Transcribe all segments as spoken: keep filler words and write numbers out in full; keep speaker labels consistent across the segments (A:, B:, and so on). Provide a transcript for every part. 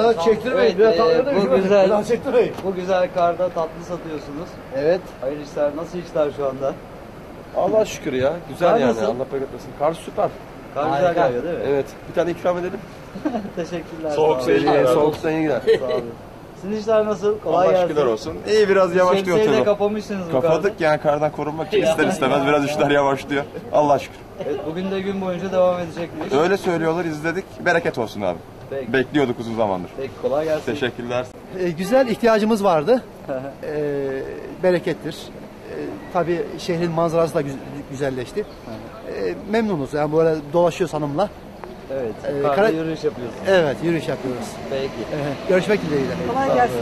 A: Biraz çektirmeyin.
B: Evet,
A: Biraz
B: e,
A: tatlı
B: bu
A: değil.
B: güzel.
A: Biraz çektirmeyin.
B: Bu güzel karda tatlı satıyorsunuz.
A: Evet.
B: Hayırlı işler. Nasıl işler şu anda?
C: Allah'a şükür ya. Güzel
B: Kar
C: yani.
B: nasıl?
C: Allah bereket versin. Kar süper.
B: Kar
A: Harika.
B: güzel yağıyor değil mi?
C: Evet. Bir tane ikram edelim.
B: Teşekkürler.
C: Soğuk
B: sağ olun.
C: seyir. Soğuktan iyi gider.
B: Sağ olun. Sizin işler nasıl? Kolay
D: Allah
B: gelsin.
D: şükürler olsun. İyi biraz yavaşlıyor
B: Şemsiyeyi de
D: tabii.
B: kapamışsınız bu karda.
D: Kapadık yani kardan korunmak için ister istemez biraz işler yavaşlıyor. Allah şükür.
B: Evet, bugün de gün boyunca devam edecekmiş.
D: Öyle söylüyorlar, izledik. Bereket olsun abi.
B: Peki.
D: Bekliyorduk uzun zamandır.
B: Peki, kolay gelsin.
D: Teşekkürler.
A: E, güzel ihtiyacımız vardı. e, berekettir. E, tabii şehrin manzarası da güz- güzelleşti. E, memnunuz. Yani böyle dolaşıyoruz hanımla.
B: Evet.
A: Ee,
B: Karda
A: kara-
B: yürüyüş yapıyorsunuz.
A: Evet, yürüyüş yapıyoruz.
B: Peki.
A: E, görüşmek dileğiyle.
B: Kolay gelsin.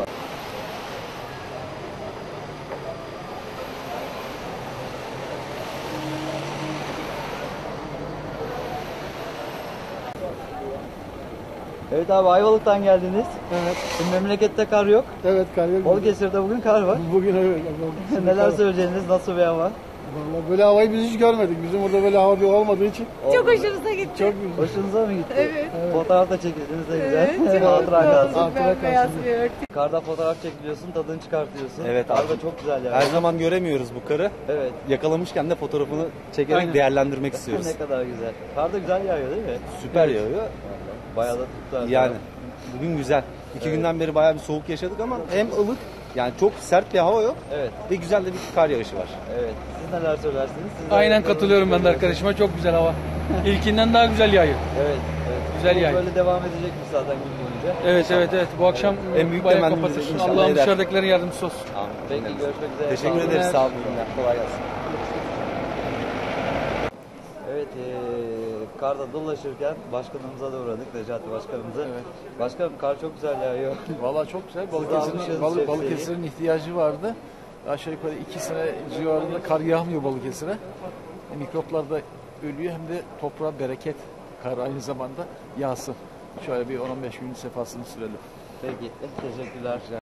B: Evet abi, Ayvalık'tan geldiniz.
A: Evet,
B: Şimdi memlekette kar yok.
A: evet kardeşim.
B: Balıkesir'de bugün kar var.
A: Bugün evet.
B: Neler söyleyeceğiniz? Nasıl bir hava?
A: Vallahi böyle havayı biz hiç görmedik. Bizim burada böyle hava bir olmadığı için
E: Çok hoşunuza gitti.
A: çok güzel.
B: Hoşunuza mı gitti?
E: Evet.
B: Fotoğraf da çekildiniz de güzel.
E: Evet, çok
B: Hatıra
E: mutlu
B: kalsın.
E: oldum. Ben beyaz bir örtü.
B: Karda fotoğraf çekiliyorsun, tadını çıkartıyorsun.
F: Evet
B: Kar
F: abi.
B: da çok güzel yani.
F: Her zaman göremiyoruz bu karı.
B: Evet.
F: Yakalamışken de fotoğrafını çekerek
A: Aynen.
F: değerlendirmek istiyoruz.
B: Ne kadar güzel. Kar da güzel yağıyor değil mi?
F: Süper yağıyor.
B: Bayağı da tuttu. her
F: Yani
B: taraf.
F: bugün güzel. İki günden beri bayağı bir soğuk yaşadık ama hem ılık, yani çok sert bir hava yok
B: Evet.
F: ve güzel de bir kar yağışı var.
B: Evet. Siz neler söylersiniz? Siz de
G: Aynen
B: ayaklarınızı
G: katılıyorum ben de
B: görüyorsunuz.
G: arkadaşıma. Çok güzel hava. İlkinden daha güzel yağıyor.
B: Evet. evet.
G: Güzel
B: Bu
G: yağıyor.
B: Böyle devam edecekmiş zaten gün boyunca.
G: Evet evet evet. Bu akşam
F: En büyük
G: bayağı
F: temennimiz
G: kapatır.
F: inşallah
G: Allah'ım
F: eder.
G: dışarıdakilerin yardımcısı olsun.
B: Peki, görüşmek üzere.
F: Teşekkür
B: Sağ olun.
F: ederiz. Sağ olun. Kolay gelsin.
B: Evet, eee karda dolaşırken başkanımıza da uğradık, Necati Başkanımıza. Evet. Başkanım, kar çok güzel yağıyor.
H: Vallahi çok güzel.
B: almışsınız
H: Balıkesir'in Balı,
B: şemsiyeyi.
H: Balıkesir'in ihtiyacı vardı. Aşağı yukarı iki sene civarında kar yağmıyor Balıkesir'e. E, mikroplar da ölüyor hem de toprağa bereket. Kar aynı zamanda yağsın. Şöyle bir on on beş gün sefasını sürelim.
B: Peki, teşekkürler.